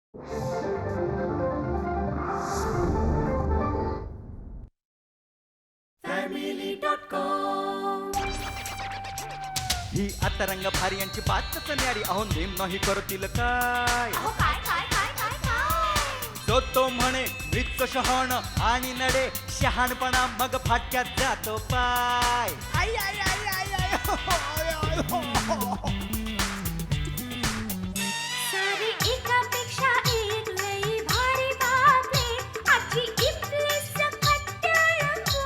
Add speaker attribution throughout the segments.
Speaker 1: ही आता रंग भारी यांची बातच न्यारी. अहो नेम नाही करतील काय. तो म्हणे मृत्यू शहाण आणि नडे शहाणपणा मग फाटक्यात जातो पाय. आई आई आई आई आई हो, आय, आय, हो, हो.
Speaker 2: सारी एकापेक्षा एक लई भारी बातमी आजची इथली सकट रंगो.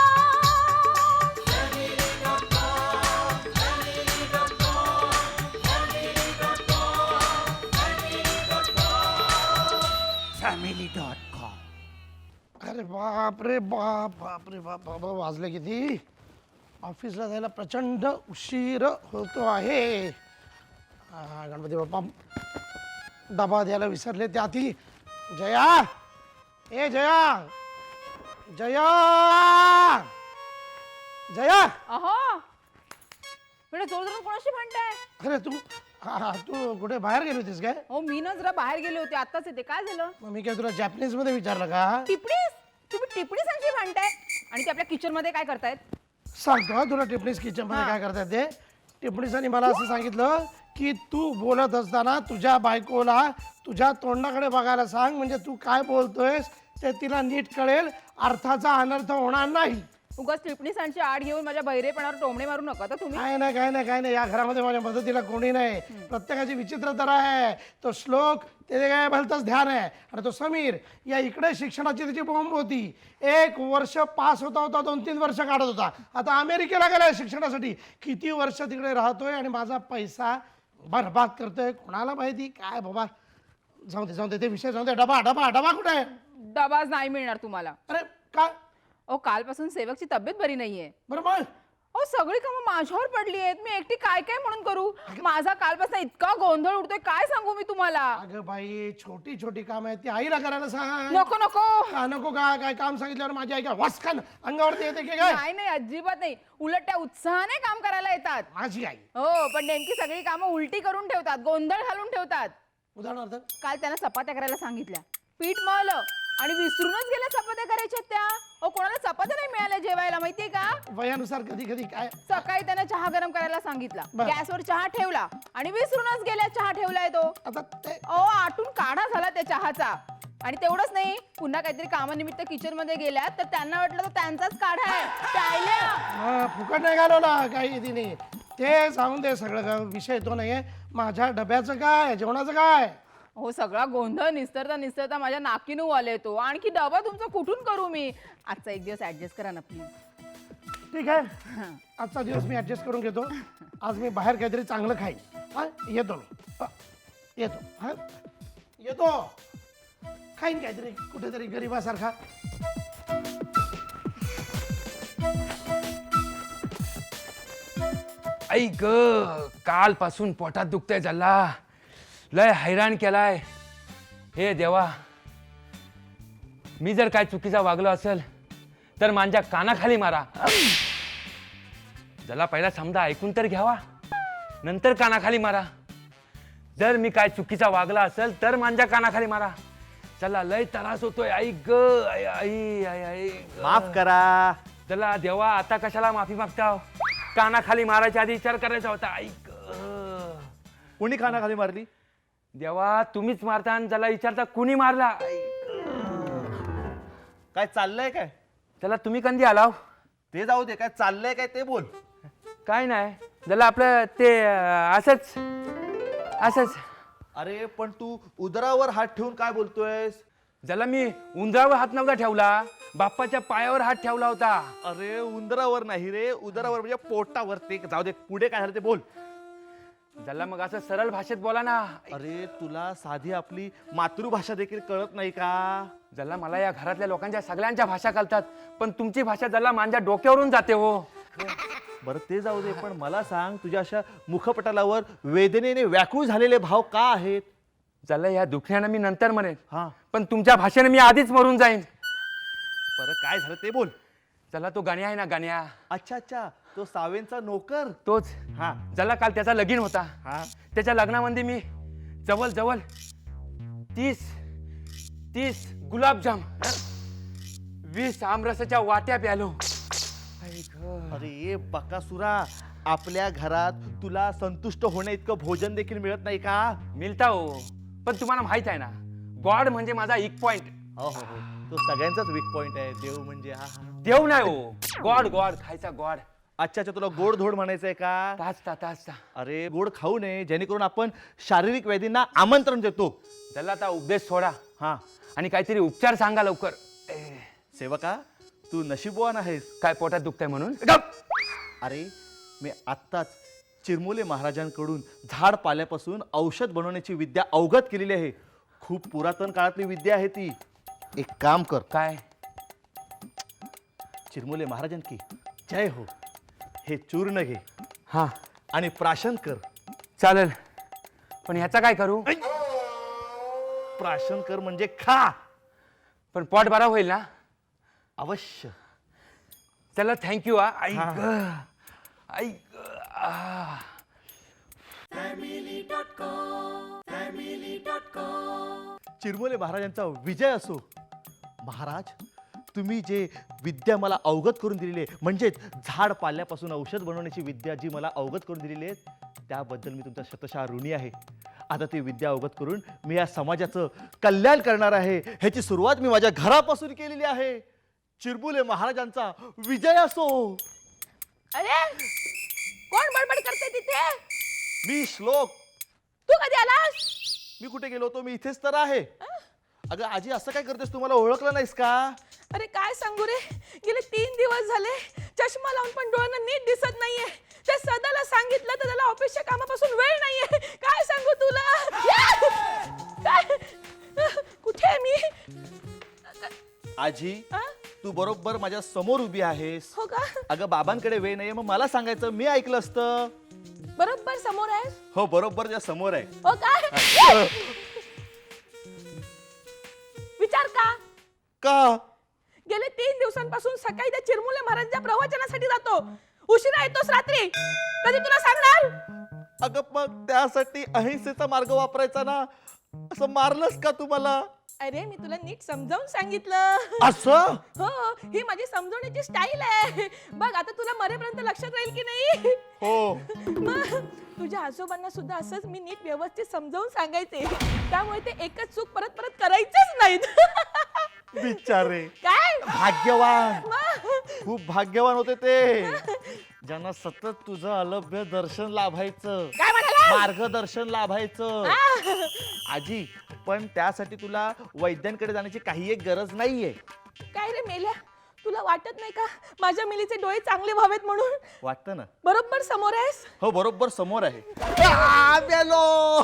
Speaker 1: family.com.
Speaker 3: अरे बाप रे बाप बाप रे बाप बाबा वाजले किती. ऑफिसला जायला प्रचंड उशीर होतो आहे. गणपती बाप्पा डबा द्यायला विसरले. त्याआधी जया, ए जया, जया, जया.
Speaker 4: अहो म्हणजे जोर जोरात कोणाशी भांडताय?
Speaker 3: अरे तू कुठे बाहेर गेली होतीस काय?
Speaker 4: हो मी ना जरा बाहेर गेले होते, आत्ताच येते. काय झालं?
Speaker 3: मग मी काय तुला जॅपनीज मध्ये विचारलं का?
Speaker 4: टिपणीस? तुम्ही टिपणीसांशी भांडताय आणि ते आपल्या किचन मध्ये काय करतायत?
Speaker 3: सांगतो हा तुला टिपणीस किचन मध्ये काय करतात ते. टिपणीसांनी मला असं सांगितलं की तू बोलत असताना तुझ्या बायकोला तुझ्या तोंडाकडे बघायला सांग, म्हणजे तू काय बोलतोयस ते तिला नीट कळेल, अर्थाचा अनर्थ होणार नाही.
Speaker 4: उगाच टिपणीसांची आड घेऊन माझ्या बहिरेपणावर टोमणे मारू नका तर तुम्ही.
Speaker 3: काय नाही काय नाही काय नाही, या घरामध्ये माझ्या मदतीला कोणी नाही. प्रत्येकाची विचित्र तर आहे. तो श्लोक ते काय भलतंच ध्यान आहे. आणि तो समीर या इकडे शिक्षणाची त्याची बॉम्ब होती. 1 वर्ष पास होता 2-3 वर्ष काढत होता. आता अमेरिकेला गेलाय शिक्षणासाठी. किती वर्ष तिकडे राहतोय आणि माझा पैसा बरबाद करतोय कोणाला माहिती. काय बाबा जाऊ दे ते विषय जाऊ दे. डबा डबा डबा कुठे आहे?
Speaker 4: डबाच नाही मिळणार तुम्हाला.
Speaker 3: अरे काय
Speaker 4: अहो कालपासून सेवकची तब्येत बरी नाहीये.
Speaker 3: बरं मग
Speaker 4: अहो सगळी कामं माझ्यावर पडली आहेत. मी एकटी काय काय म्हणून करू? माझा कालपासून इतका गोंधळ उडतोय काय सांगू मी तुम्हाला.
Speaker 3: अगं बाई छोटी छोटी काम आहेत ती आईला करायला सांग.
Speaker 4: नको नको
Speaker 3: का नको का? काय काम सांगितल्यावर माझी आई काय वासकान अंगावरती येते की काय?
Speaker 4: नाही नाही अजिबात नाही. उलट त्या उत्साहाने काम करायला येतात.
Speaker 3: माझी आई
Speaker 4: हो पण नेमकी सगळी कामं उलटी करून ठेवतात, गोंधळ घालून ठेवतात.
Speaker 3: उदाहरणार्थ
Speaker 4: काल त्यांना चपात्या करायला सांगितल्या, पीठ मळलं आणि विसरूनच गेल्या चपात्या करायच्या त्या. अहो कोणाला चपात्या नाही मिळाल्या जेवायला माहितीये का?
Speaker 3: वयानुसार कधी कधी काय
Speaker 4: सकाळी त्यांना चहा गरम करायला सांगितला,
Speaker 3: बरं.
Speaker 4: गॅसवर चहा ठेवला आणि विसरूनच गेल्या चहा ठेवलाय तो.
Speaker 3: आता ते
Speaker 4: अहो आटून काढा झाला त्या चहाचा. आणि तेवढंच नाही, पुन्हा काहीतरी कामानिमित्त किचन मध्ये गेल्यात तर त्यांना वाटलं तर त्यांचाच काढा आहे प्यायल्या.
Speaker 3: फुकट नाही घालवला काही तिने. ते सांगून दे सगळं विषय तो नाहीये. माझ्या डब्याचं काय, जेवणाचं काय?
Speaker 4: हो सगळा गोंधळ निस्तरता निस्तरता माझ्या नाकीनू आले तो. आणखी डबा तुमचा कुठून करू मी? आजचा एक दिवस ऍडजस्ट करा ना प्लीज.
Speaker 3: ठीक आहे आजचा दिवस मी ऍडजस्ट करून घेतो. आज मी बाहेर काहीतरी चांगलं खाईन. हा येतो मी. येतो हा येतो. खाईन काहीतरी कुठेतरी गरीबासारखा.
Speaker 5: आई ग कालपासून पोटात दुखतंय झाला. लय हैराण केलाय. हे देवा, मी जर काय चुकीचा वागलो असेल तर माझ्या कानाखाली मारा. जला पहिला समजा ऐकून तर घ्यावा, नंतर कानाखाली मारा. जर मी काय चुकीचा वागला असेल तर माझ्या कानाखाली मारा. चला लय त्रास होतोय. आई ग आई आई आई आई ग.
Speaker 1: माफ करा.
Speaker 5: चला देवा, आता कशाला माफी मागता? कानाखाली मारायच्या आधी विचार करायचा होता. ऐक
Speaker 1: कोणी कानाखाली मारली?
Speaker 5: देवा, तुम्हीच मारता आणि त्याला विचारता कुणी मारला.
Speaker 1: काय चाललंय काय?
Speaker 5: त्याला तुम्ही कधी आलाव?
Speaker 1: ते जाऊ दे, काय चाललंय काय ते बोल.
Speaker 5: काय नाही, त्याला आपलं ते असंच असंच.
Speaker 1: अरे पण तू उदरावर हात ठेवून काय बोलतोयस?
Speaker 5: ज्याला मी उंदरावर हात नव्हता ठेवला, बाप्पाच्या पायावर हात ठेवला होता.
Speaker 1: अरे उंदरावर नाही रे, उदरावर म्हणजे पोटावर. ते जाऊ दे, पुढे काय झालं ते बोल.
Speaker 5: ज्याला मग असं सरळ भाषेत बोला ना.
Speaker 1: अरे तुला साधी आपली मातृभाषा देखील कळत नाही का?
Speaker 5: ज्याला मला या घरातल्या लोकांच्या सगळ्यांच्या भाषा कळतात, पण तुमची भाषा ज्याला माझ्या डोक्यावरून जाते हो.
Speaker 1: बरं ते जाऊ दे, पण मला सांग, तुझ्या अशा मुखपटालावर वेदनेने व्याकुळ झालेले भाव का आहेत?
Speaker 5: ज्याला या दुखण्यानं मी नंतर म्हणेन,
Speaker 1: हा
Speaker 5: पण तुमच्या भाषेने मी आधीच मरून जाईन.
Speaker 1: बरं काय झालं ते बोल.
Speaker 5: चला तो गाण्या आहे ना, गाण्या.
Speaker 1: अच्छा अच्छा, तो सावेंचा नोकर.
Speaker 5: तोच.
Speaker 1: हा
Speaker 5: ज्याला काल त्याचा लगीन होता.
Speaker 1: हा
Speaker 5: त्याच्या लग्नामध्ये मी जवळ जवळ 30 गुलाबजाम, 20 आमरसाच्या वाट्या प्यालो. आई ग.
Speaker 1: अरे बकासुरा, आपल्या घरात तुला संतुष्ट होण्या इतकं भोजन देखील मिळत नाही का?
Speaker 5: मिळता हो, पण तुम्हाला माहित आहे ना, गॉड म्हणजे माझा एक पॉइंट.
Speaker 1: हो हो हो, तो सगळ्यांचाच वीक पॉइंट आहे. देव म्हणजे हा हा.
Speaker 5: देव नाही हो, गॉड गॉड खायचा गॉड.
Speaker 1: अच्छा अच्छा, तुला गोड धोड म्हणायचंय का?
Speaker 5: ताजता.
Speaker 1: अरे गोड खाऊ नये, जेणेकरून आपण शारीरिक व्याधींना आमंत्रण देतो.
Speaker 5: त्याला आता उपदेश सोडा
Speaker 1: हा
Speaker 5: आणि काहीतरी उपचार सांगा लवकर.
Speaker 1: सेवका, तू नशीबवान आहेस.
Speaker 5: काय पोटात दुखतंय म्हणून?
Speaker 1: अरे मी आत्ताच चिरमुले महाराजांकडून झाड पाल्यापासून औषध बनवण्याची विद्या अवगत केलेली आहे. खूप पुरातन काळातली विद्या आहे ती. एक काम कर,
Speaker 5: काय?
Speaker 1: चिरमुले महाराजांकी जय हो, हे चूर्ण घे
Speaker 5: हा
Speaker 1: आणि प्राशन कर.
Speaker 5: चालेल, पण ह्याचा काय करू?
Speaker 1: प्राशन कर म्हणजे खा.
Speaker 5: पण पोट बरा होईल ना?
Speaker 1: अवश्य.
Speaker 5: चला थँक्यू. आई
Speaker 1: हा.
Speaker 5: ग, आई ग, आ.
Speaker 1: चिरमुले महाराजांचा विजय असो. महाराज, तुम्ही जे विद्या मला अवगत करून दिलेली आहे, म्हणजेच झाड पाल्यापासून औषध बनवण्याची विद्या जी मला अवगत करून दिलेली आहे, त्याबद्दल मी तुमचा शतशः ऋणी आहे. आता ती विद्या अवगत करून मी या समाजाचं कल्याण करणार आहे. ह्याची सुरुवात मी माझ्या घरापासून केलेली आहे. चिरमुले महाराजांचा विजय असो.
Speaker 4: अरे कोण बडबड करते तिथे?
Speaker 1: मी श्लोक.
Speaker 4: तू कधी आलास?
Speaker 1: मी कुठे गेलो होतो? मी इथेच तर आहे. अगं आजी, असं काय करतेस? तुम्हाला ओळखलं नाहीस का?
Speaker 6: अरे काय सांगू रे, गेले 3 दिवस झाले चष्मा लावून पण डोळ्यांना नीट दिसत नाहीये. त्या सदाला सांगितलं तर त्याला ऑफिसच्या कामापासून वेळ नाहीये. काय सांगू तुला? काय कुठे आहे मी?
Speaker 1: आजी,
Speaker 6: आ?
Speaker 1: तू बरोबर माझ्या समोर उभी आहेस.
Speaker 6: हो का?
Speaker 1: अगं बाबांकडे वेळ नाहीये, मग मला सांगायचं, मी ऐकलं असतं.
Speaker 6: बरोबर समोर आहेस?
Speaker 1: हो, बरोबर त्या समोर आहे.
Speaker 6: हो काय? विचार का?
Speaker 1: का?
Speaker 6: गेले 3 दिवसांपासून सकाळी त्या चिरमुले महाराजांच्या प्रवचनासाठी जातो, उशिरा येतोस रात्री. कधी तुला सांगणार?
Speaker 1: अगं मग त्यासाठी अहिंसेचा मार्ग वापरायचा ना. असं मारलंस का तुम्हाला?
Speaker 6: अरे मी तुला नीट समजावून सांगितलं.
Speaker 1: असं?
Speaker 6: हो, ही माझी समजवण्याची स्टाईल आहे. बघ आता तुला मरेपर्यंत लक्षात राहील की नाही?
Speaker 1: हो.
Speaker 6: मग तुझ्या आजोबांना सुद्धा असंच मी नीट व्यवस्थित समजावून सांगायचे, त्यामुळे ते एकच चूक परत परत करायचंच नाहीत.
Speaker 1: बिचारे.
Speaker 6: काय?
Speaker 1: भाग्यवान.
Speaker 6: मग?
Speaker 1: खूप भाग्यवान होते ते, ज्यांना सतत तुझं अलभ्य दर्शन लाभायचं,
Speaker 6: काय म्हणाला?
Speaker 1: मार्गदर्शन लाभायचं. आजी, पण त्यासाठी तुला वैद्यांकडे जाण्याची काही एक गरज नाहीये.
Speaker 6: काय रे मेल्या, तुला वाटत नाही का माझ्या मिलीचे डोळे चांगले व्हावेत म्हणून?
Speaker 1: वाटतं ना?
Speaker 6: बरोबर समोर आहेस.
Speaker 1: हो, बरोबर समोर आहे. मेलो.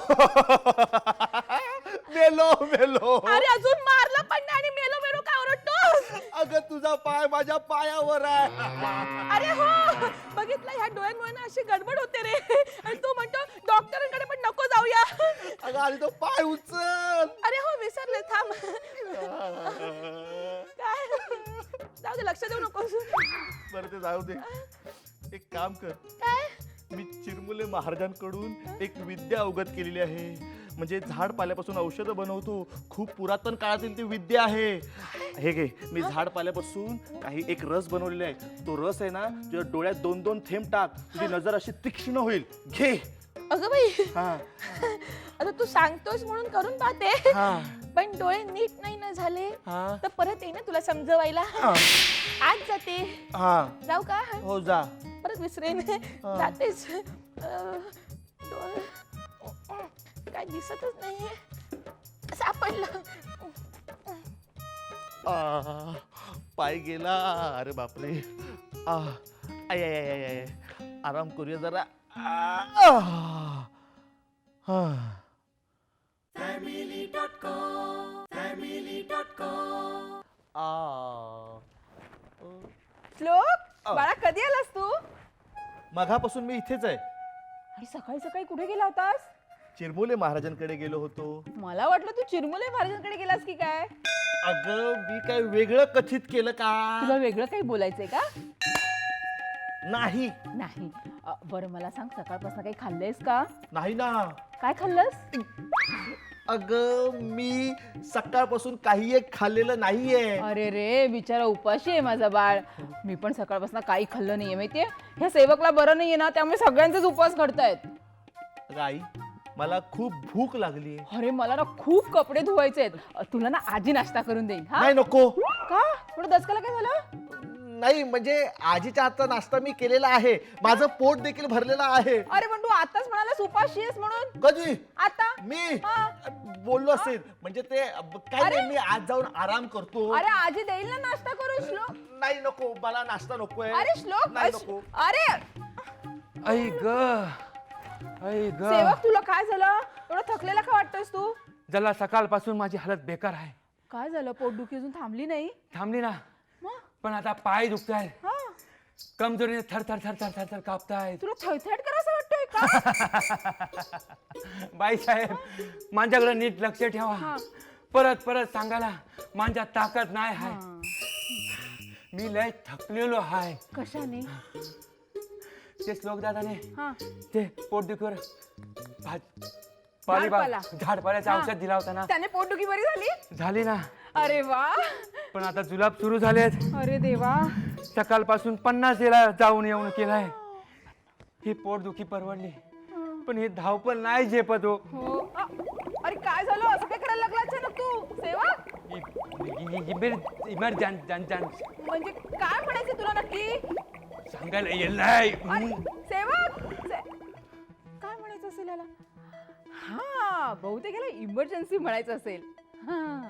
Speaker 1: मेलो मेलो.
Speaker 6: अरे अजून मारलं पण नाही आणि मेलो मेलो काय ओरडतोस?
Speaker 1: अगं तुझा पाय माझ्या पायावर आहे.
Speaker 6: अरे हो, बघितलं ह्या डोळ्यांमुळे ना अशी गडबड होते रे. आणि तू म्हणतो डॉक्टरांकडे पण नको जाऊया.
Speaker 1: अगं आणि तो पाय उचल.
Speaker 6: अरे हो विसरले, थांब. काय? जाऊ दे, लक्ष देऊ नकोस.
Speaker 1: बरं ते जाऊ दे. एक काम कर,
Speaker 6: काय?
Speaker 1: मी चिरमुले महाराजांकडून एक विद्या अवगत केलेली आहे. म्हणजे झाड पाल्यापासून औषधं बनवतो. खूप पुरातन काळातील ती विद्या आहे. हे घे, मी झाड पाल्यापासून काही एक रस बनवलेला आहे. तो रस आहे ना, तुझ्या डोळ्यात 2-2 थेंब टाक, तुझी नजर अशी तीक्ष्ण होईल. घे.
Speaker 6: अगं बाई,
Speaker 1: हा
Speaker 6: आता तू सांगतोस म्हणून करून पाहते.
Speaker 1: हा.
Speaker 6: पण डोळे नीट नाही ना झाले
Speaker 1: हा.
Speaker 6: तर परत ये ना तुला समजवायला. आज जाते.
Speaker 1: हा.
Speaker 6: जाऊ का?
Speaker 1: हो जा.
Speaker 6: परत विसरेन. जातेच. डोळे काय दिसतच नाहीये. सापडलं.
Speaker 1: पाय गेला. अरे बापरे. आय आय आय आय. आराम करूया जरा.
Speaker 4: श्लोक, बाळा कधी आलास तू?
Speaker 1: मघापासून मी इथेच आहे.
Speaker 4: आणि सकाळी सकाळी कुठे गेला होतास?
Speaker 1: चिरमुले महाराजांकडे गेलो होतो.
Speaker 4: मला वाटलं तू चिरमुले महाराजांकडे गेलास की काय.
Speaker 1: अगं मी काय वेगळं कथित केलं का?
Speaker 4: तुला वेगळं काही बोलायचंय का?
Speaker 1: नाही.
Speaker 4: नाही. बरं मला सांग, सकाळपासून काही खाल्लंयस का?
Speaker 1: नाही ना.
Speaker 4: काय खाल्लंस?
Speaker 1: अगं मी सकाळपासून काही एक खाल्लेलं नाहीये.
Speaker 4: अरे रे बिचारा उपाशी आहे माझा बाळ. मी पण सकाळपासून काही खाल्लं नाहीये माहितीये. ह्या सेवकला बरं नाहीये ना, त्यामुळे सगळ्यांचेच उपवास करतायत.
Speaker 1: अगं आई मला खूप भूक लागली.
Speaker 4: अरे मला ना खूप कपडे धुवायचे आहेत. तुला ना आजी नाश्ता करून देईन. हा
Speaker 1: नाही नको.
Speaker 4: का थोडं दसकाला काय झालं?
Speaker 1: नाही म्हणजे आजीच्या हातचा नाश्ता मी केलेला आहे. माझं पोट देखील भरलेलं आहे.
Speaker 4: अरे पण तू आताच म्हणालास उपाशी आहेस म्हणून.
Speaker 1: कधी
Speaker 4: आता
Speaker 1: मी
Speaker 4: हा.
Speaker 1: बोललो असेल म्हणजे ते काय
Speaker 4: अरे.
Speaker 1: नाही, मी आज जाऊन आराम करतो.
Speaker 4: अरे आजी देईल ना नाश्ता करून. श्लोक
Speaker 1: नाही नको मला नाश्ता नकोय.
Speaker 4: अरे श्लोक
Speaker 1: नाही नको.
Speaker 4: अरे
Speaker 5: आई ग आई ग
Speaker 4: सेवक तुला काय झालं? एवढं थकलेला का वाटतोस तू?
Speaker 5: जला सकाळपासून माझी हालत बेकार आहे.
Speaker 4: काय झालं? पोटदुखी अजून थांबली नाही?
Speaker 5: थांबली ना,
Speaker 4: मग?
Speaker 5: पण आता पाय दुखतायत.
Speaker 4: हा.
Speaker 5: कमजोरीने थर थर थर थर थर थर कापतायत.
Speaker 4: तुला थैथैट करायचं वाटतोय का?
Speaker 5: बाई साहेब माझ्याकडे नीट लक्ष ठेवा.
Speaker 4: हा.
Speaker 5: परत परत सांगायला माझ्या ताकद नाही आहे. मी लय थकलेलो आहे.
Speaker 4: कशाने?
Speaker 5: ते श्लोक दादाने
Speaker 4: हा.
Speaker 5: ते पोटदुखीवर पालेभाज्या झाडपाल्याचं
Speaker 4: हा.
Speaker 5: औषध दिला होता ना,
Speaker 4: त्याने पोटदुखी बरी झाली?
Speaker 5: झाली ना.
Speaker 4: अरे वा.
Speaker 5: पण आता जुलाब सुरू झालेत.
Speaker 4: अरे देवा.
Speaker 5: सकाळपासून 50 वेळा जाऊन येऊन केलाय. ही पोटदुखी परवडली, पण ही धावपळ नाही झेपत हो.
Speaker 4: हो. अरे काय झालं? असं काय करायला लागला अचानक तू सेवक?
Speaker 5: इमर्जन्सी
Speaker 4: म्हणजे काय म्हणायचं तुला नक्की?
Speaker 5: सांगायला येईल नाही.
Speaker 4: अरे सेवक काय म्हणायचं असेल याला? हा बहुतेक याला इमर्जन्सी म्हणायचं असेल. हा.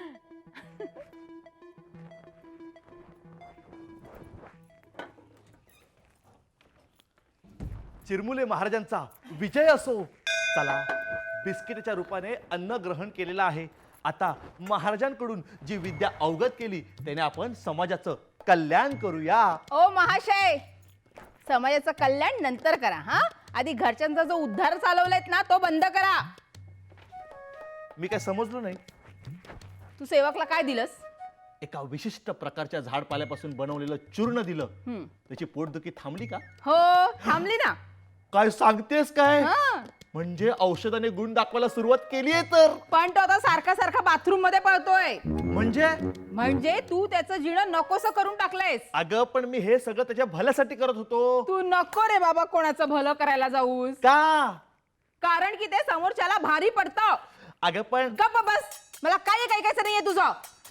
Speaker 1: चिरमुले महाराजांचा विजय असो. चला बिस्किटच्या रूपाने अन्न ग्रहण केलेलं आहे. आता महाराजांकडून जी विद्या अवगत केली त्याने आपण समाजाचं कल्याण करूया.
Speaker 4: ओ महाशय, समाजाचं कल्याण नंतर करा. हा आधी घरच्यांचा जो उद्धार चालवलाय ना तो बंद करा.
Speaker 1: मी काय समजलो नाही.
Speaker 4: तू सेवकला काय दिलंस?
Speaker 1: एका विशिष्ट प्रकारच्या झाडपाल्यापासून बनवलेलं चूर्ण दिलं.
Speaker 4: हम्म.
Speaker 1: त्याची पोटदुखी थांबली का?
Speaker 4: हो थांबली ना.
Speaker 1: काय सांगतेस काय?
Speaker 4: हा.
Speaker 1: म्हणजे औषधाने गुण दाखवायला सुरुवात केली आहे तर.
Speaker 4: पण तो आता सारखा सारखा बाथरूम मध्ये पळतोय.
Speaker 1: म्हणजे
Speaker 4: तू त्याचं जिणं नकोस करून टाकलंयस.
Speaker 1: अगं पण मी हे सगळं त्याच्या भल्यासाठी करत होतो.
Speaker 4: तू नको रे बाबा कोणाचं भलं करायला जाऊस.
Speaker 1: का?
Speaker 4: कारण की ते समोरच्याला भारी पडतं.
Speaker 1: अगं पण
Speaker 4: गप्प बस. मला काही ऐकायचं नाहीये तुझं.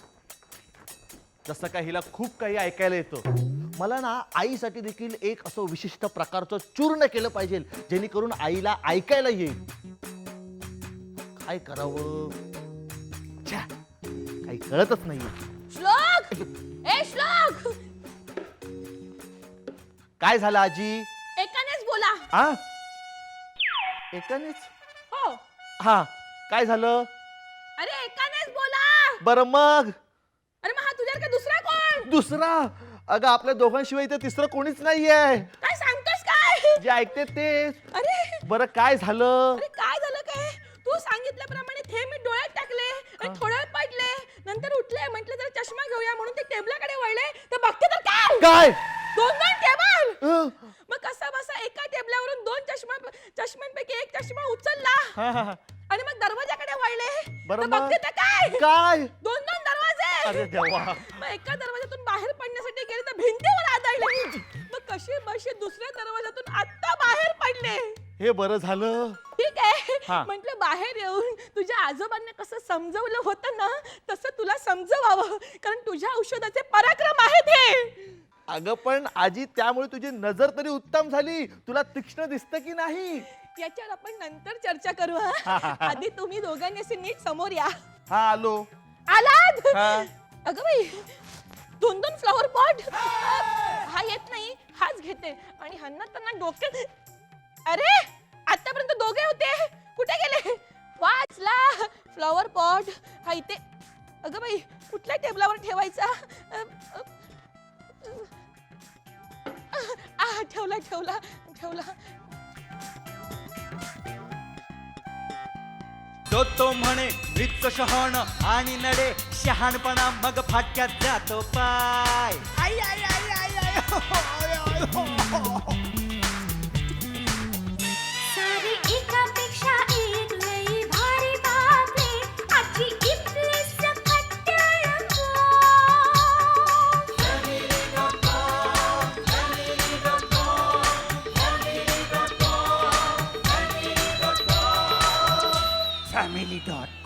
Speaker 1: जसं काय हिला खूप काही ऐकायला येतं. मला ना आईसाठी देखील एक असं विशिष्ट प्रकारचं चूर्ण केलं पाहिजे जेणेकरून आईला ऐकायला येईल. काय करावं? छ्या, काही कळतच नाही.
Speaker 6: श्लोक ए श्लोक,
Speaker 1: काय झालं आजी?
Speaker 6: एकानेच बोला.
Speaker 1: हा एकानेच?
Speaker 6: हो.
Speaker 1: हा काय झालं?
Speaker 6: अरे एकानेच बोला.
Speaker 1: बरं मग
Speaker 6: अरे मग हा तुझ्यावर दुसरा कोण?
Speaker 1: दुसरा? अगं आपल्या दोघांशिवाय इथे तिसरं कोणीच नाहीये.
Speaker 6: काय सांगतोस काय?
Speaker 1: जे ऐकते तेच.
Speaker 6: अरे
Speaker 1: बरं काय झालं?
Speaker 6: अरे काय झालं काय? तू सांगितल्याप्रमाणे थेंब मी डोळ्यात टाकले आणि थोड्या वेळ पडले, नंतर उठले, म्हटलं जरा चष्मा घेऊया म्हणून ते टेबलाकडे वळले तर बघते तर काय
Speaker 1: काय?
Speaker 6: दोन टेबल.
Speaker 1: अं,
Speaker 6: मग कसा बसा एका टेबलावरून दोन चष्म्यांपैकी एक चष्मा उचलला
Speaker 1: हा, हा, हा.
Speaker 6: आणि मग दरवाजाकडे वळले
Speaker 1: बरं
Speaker 6: तर
Speaker 1: मग?
Speaker 6: बघते तर काय
Speaker 1: काय?
Speaker 6: दोन दरवाजे.
Speaker 1: अरे देवा.
Speaker 6: मग एका दरवाजातून बाहेर पडण्यासाठी गेले तर भिंतीवर आदळले. मग कसे बसे दुसऱ्या दरवाजातून आता बाहेर पडले.
Speaker 1: हे बरं झालं.
Speaker 6: ठीक आहे
Speaker 1: हा.
Speaker 6: म्हटलं बाहेर येऊन तुझ्या आजोबांना कसं समजवलं होतं ना तसं तुला समजवावं, कारण तुझ्या औषधाचे पराक्रम आहेत हे.
Speaker 1: अगं पण आजी त्यामुळे तुझी नजर तरी उत्तम झाली. तुला तीक्ष्ण दिसतं की नाही?
Speaker 6: याच्यावर आपण नंतर चर्चा करू. हा. आधी तुम्ही दोघांनी असे नीट समोर या.
Speaker 1: हा आलो.
Speaker 6: आलात?
Speaker 1: हा.
Speaker 6: अगं बाई दोन फ्लॉवर पॉट. हा येत नाही, हाच घेते आणि ह्यांना त्यांना डोक्यात. अरे आतापर्यंत दोघे होते, कुठे गेले? वाचला फ्लॉवर पॉट. हा इथे. अगं बाई कुठल्या टेबलावर ठेवायचा? ठेवला ठेवला ठेवला.
Speaker 7: तो म्हणे वृत्त शहाण आणि नडे शहाणपणा मग फाटक्यात जातो पाय. आई आई आई आई आई हो, आय, आय, हो, हो.
Speaker 2: सारी एकापेक्षा एक लई भारी बातमी.
Speaker 7: Family dot